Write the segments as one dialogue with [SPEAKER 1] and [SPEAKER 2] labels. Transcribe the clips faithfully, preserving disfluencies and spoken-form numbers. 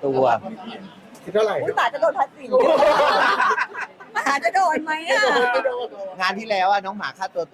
[SPEAKER 1] ตัว
[SPEAKER 2] คิดเท่าไหร่
[SPEAKER 3] อุ้ยบาทจะโดนภาษีหมาจะโดนไหมอ่ะ
[SPEAKER 1] งานที่แล้วอะน้องหมาค่าตัว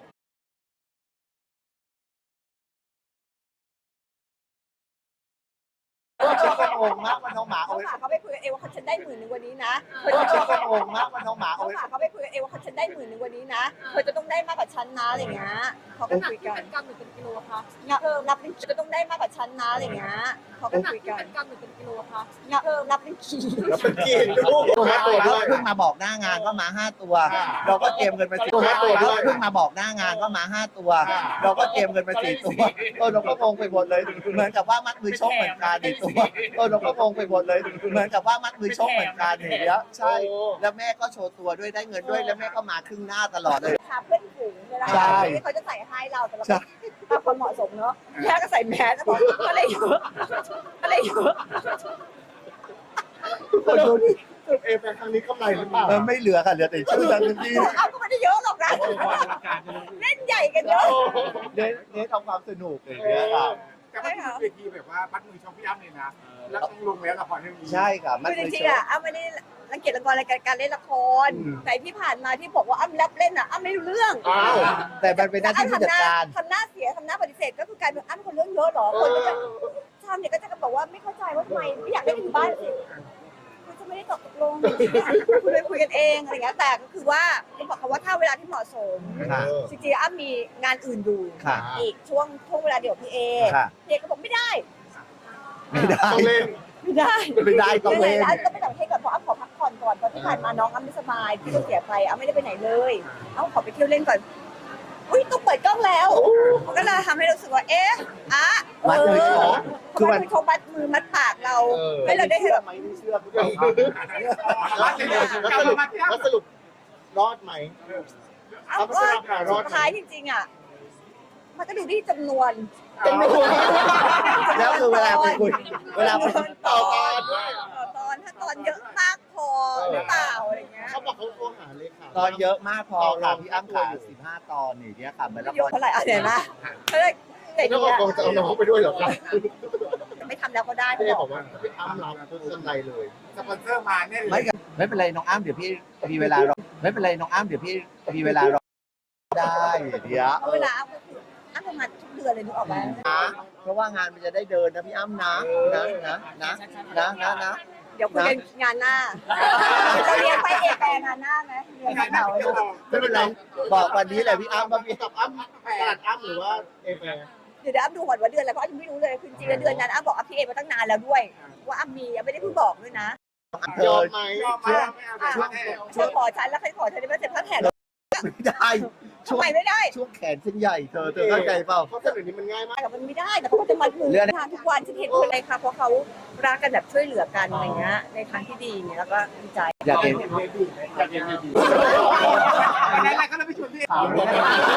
[SPEAKER 1] ฉันก็งงมากว่าน้องหมา
[SPEAKER 3] เขา
[SPEAKER 1] เอาไว้
[SPEAKER 3] หมาเขาไปคุยกันเองว่าเขาฉันได้หมื่นหนึ่งวันนี้นะ
[SPEAKER 1] ฉันก็งงมากว่าน้องหมาเอา
[SPEAKER 3] เขา
[SPEAKER 1] ไว้
[SPEAKER 3] หมาเขาไปคุยกันเองว่าเขาฉันได้หมื่นหนึ่งวันนี้นะเธอจะต้องได้มากกว่าฉันนะอะไรเงี้ยเขาก็คุยกัน
[SPEAKER 4] เป็นกรัมหรือเป็นกิโลคะ
[SPEAKER 3] นับนับเป็นจะต้องได้มากกว่าฉันนะอะไรเงี้ยเขาก็คุยกัน
[SPEAKER 4] เป็นกรัมหรือเป็นกิโลคะ
[SPEAKER 3] นับนับเป็นขีด
[SPEAKER 2] แล้วเป็นกี่ลูกห้าตัวด้วย
[SPEAKER 1] เพิ่งมาบอกหน้างานว่ามาห้าตัว เราก็เตรียมเงินไปสี่ตัวเพิ่งมาบอกหน้างานว่ามาห้าตัว เราก็เตรียมเงินไปสี่ตัวเออเราก็งงไปหมดเลย เหมือนกับว่ามัดมือชกเหมือนกันในตัวเออเราก็งงไปหมดเลย เหมือนกับว่ามัดมือชกเหมือนกันอย่างเงี้ยใช่แล้วแม่ก็โชว์ตัวด้วยได้เงินด้วยแล้วแม่ก็มาครึ่งหน้าตลอดเลย
[SPEAKER 3] พาเพื่อนฝูงเวลา
[SPEAKER 1] ใช่
[SPEAKER 3] เขาจะใส่ให้เราแต่เราตามความเหมาะสมเนาะแม่ก็ใส่แมสแล้วบอกก็เลยเยอะก็เลยเยอะ
[SPEAKER 1] คนดูดิ
[SPEAKER 2] จุดเอแฟครั้งนี้กำไรหรือเปล่า
[SPEAKER 1] เออไม่เหลือค่ะเหลือแต่ชื่อทันที
[SPEAKER 3] เอาก็ไม่ได้เยอะหรอกนะเล่นใหญ่กันเยอะ
[SPEAKER 1] เน้นเน้นทำความสนุกอย่างเงี้ยค่ะ
[SPEAKER 5] แต่ว่าที่เวทีแบบว่ามัดมือชมพี่อ้ำเลยนะ แล้วต้องลงแล้วละครเรื่องนี้
[SPEAKER 1] ใช่ค่ะมัด
[SPEAKER 3] คือจ
[SPEAKER 1] มือ
[SPEAKER 3] ริ
[SPEAKER 1] ช
[SPEAKER 3] งๆ
[SPEAKER 1] ก
[SPEAKER 3] อ่ะอ้ำไม่ได้รังเกียจละครอะไรการเล่นละคร
[SPEAKER 1] อืม
[SPEAKER 3] แต่ที่ผ่านมาที่บอกว่าอ้ำรับเล่นอ่ะอ้ำไม่รู้เรื่อง
[SPEAKER 2] อ้าว
[SPEAKER 1] แต่มันเป็นหน้าที่ผู้จัดการ
[SPEAKER 3] ทำหน้าเสียทำหน้าปฏิเสธก็คือกลายเป็นอ้ำคนเรื่องเยอะเหรอคนก็จะชาวเน็ตก็จะบอกว่าไม่เข้าใจว่าทำไมไม่อยากเล่นอยู่บ้านสิคือจะไม่ได้ตกลงคุยไปคุยกันเองอะไรเงี้ยแต่ก็คือว่าก็บอกเขาว่าถ้าเวลาที่เหมาะสม
[SPEAKER 1] ค่ะ
[SPEAKER 3] จริงๆอ้ำมีงานอื่นอยู่
[SPEAKER 1] ค่ะ
[SPEAKER 3] อีกช่วงช่วงเวลาเดียวกับพี่เอ
[SPEAKER 1] ค่ะ
[SPEAKER 3] พี่เอก็บอกไม่ได้
[SPEAKER 1] ไม่ได้
[SPEAKER 2] ต้องเล่น
[SPEAKER 3] ไม่ได้
[SPEAKER 1] ไม่ได้ต้องเล่น
[SPEAKER 3] แล้วก็ไปต่างประเทศก่อนเพราะอ้ำขอพักผ่อนก่อนเพราะที่ผ่านมาน้องอ้ำไม่สบายพี่ก็เสียไปอ้ำไม่ได้ไปไหนเลยอ้ำขอไปเที่ยวเล่นก่อนอุ้ยต้องเปิดกล้องแล้วมันก็เลยทำให้รู้สึกว่าเอ๊ะอ่ะ
[SPEAKER 1] มัดมือชกคื
[SPEAKER 3] คือ อ
[SPEAKER 1] มั
[SPEAKER 3] มัน นเขามัดมือมัดปากเรา
[SPEAKER 2] เออ
[SPEAKER 3] ให้เราได้เห็นแบบ
[SPEAKER 1] ไม่เชื่อผู้ชม
[SPEAKER 5] มัดเลยเลย
[SPEAKER 2] แล้ว
[SPEAKER 5] กลับ
[SPEAKER 2] สรุป
[SPEAKER 5] มาที่อ้ำ
[SPEAKER 2] แล้วสรุปรอดไหม
[SPEAKER 3] อ้ำว่าสุดท้ายจริงๆอ่ะมันก็ดูที่จำนวน
[SPEAKER 2] เป็นไม่ถูก
[SPEAKER 1] แล้วคือเวลาไปคุยเวลาไป
[SPEAKER 2] ต่อตอนด้วย
[SPEAKER 3] ต่อตอนถ้าตอนเยอะมากพอหรือเปล่าอะไรเงี้ย
[SPEAKER 2] เขาบอกเขาโทรหาเลขา
[SPEAKER 1] ตอนเยอะมากพอค่ะพี่อ้ำขาสิบห้าตอนอย่างเงี้ยค่ะเหมือนละ
[SPEAKER 3] ย
[SPEAKER 1] ค
[SPEAKER 3] ก
[SPEAKER 1] ร
[SPEAKER 3] เท่าไหร่อ่ะเดี๋ยวนะเขาเลยแต่
[SPEAKER 2] แล้ว
[SPEAKER 3] เนี่ย
[SPEAKER 2] ก็จะเอาน้องไปด้วยเหรอครับ
[SPEAKER 3] ไม่ทำแล้วก็ได้
[SPEAKER 2] พี่เอ
[SPEAKER 3] บบ อ
[SPEAKER 2] อก กว่าพี่อ้ำรับทุกกำไรเลย
[SPEAKER 5] สปอนเซอร์มาแน่เล
[SPEAKER 1] ไม่
[SPEAKER 5] ย
[SPEAKER 1] กับไม่เป็นไรน้องอ้ำเดี๋ยวพี่มีเวลารอไม่เป็นไรน้องอ้ำเดี๋ยวพี่มีเวลารอได้เดี๋ยว
[SPEAKER 3] เอาเวลาอ้ำก็คืออ้ำทำงานทุกเดือนเลยนึกออกไหม
[SPEAKER 1] นะเพราะว่างานมันจะได้เดินนะพี่อ้ำนะนะนะนะนะนะนะ
[SPEAKER 3] เดี๋ยวคุยกันงานหน้าเราเรียนไปเอกไปงานหน้าไหมเรียนงานเก่าเลย
[SPEAKER 1] ไม่เป็นไรบอกวันนี้แหละพี่อ้ำว่าพี่
[SPEAKER 2] กับอ้ำตลาดอ้ำหรือว่าเอแฟ
[SPEAKER 3] เดี๋ยวอ้ำดูก่อนว่าเดือนอะไรเพราะอ้ำยังไม่รู้เลยคือจริงๆเดือนนั้นอ้ำบอกอ้ำพี่เอมาตั้งนานแล้วด้วย ว่าอ้ำมีไม่ได้เพิ่งบอกด้วยนะ
[SPEAKER 1] เธ
[SPEAKER 2] ยอ
[SPEAKER 1] อ
[SPEAKER 2] มไหม
[SPEAKER 5] ยอมมาไม่เอาช่วงแน่
[SPEAKER 3] เธอขอฉันแล้วใครขอฉันได้ไหมเสร็จพระแถน
[SPEAKER 1] ไม่ได้ช่
[SPEAKER 3] ทำ
[SPEAKER 1] วง
[SPEAKER 3] ไมไม่ได้
[SPEAKER 1] ช่วงแขนเส้นใหญ่เธอเธอเข้าใจเปล่า
[SPEAKER 2] เพราะเสนอนี้มันง่ายมาก
[SPEAKER 3] แต่มันไม่ได้แต่เขาก็จะมัดมือทานทุกวันฉันเห็นคนเลยค่ะเพราะเขารักกันแบบช่วยเหลือกันอะไรเงี้ยในทางที่ดีเนี่ยแล้วก็ดีใจ
[SPEAKER 1] อยากเห็น
[SPEAKER 5] อยากเห็นดีๆอะไรๆก็เลยไปชวนพี่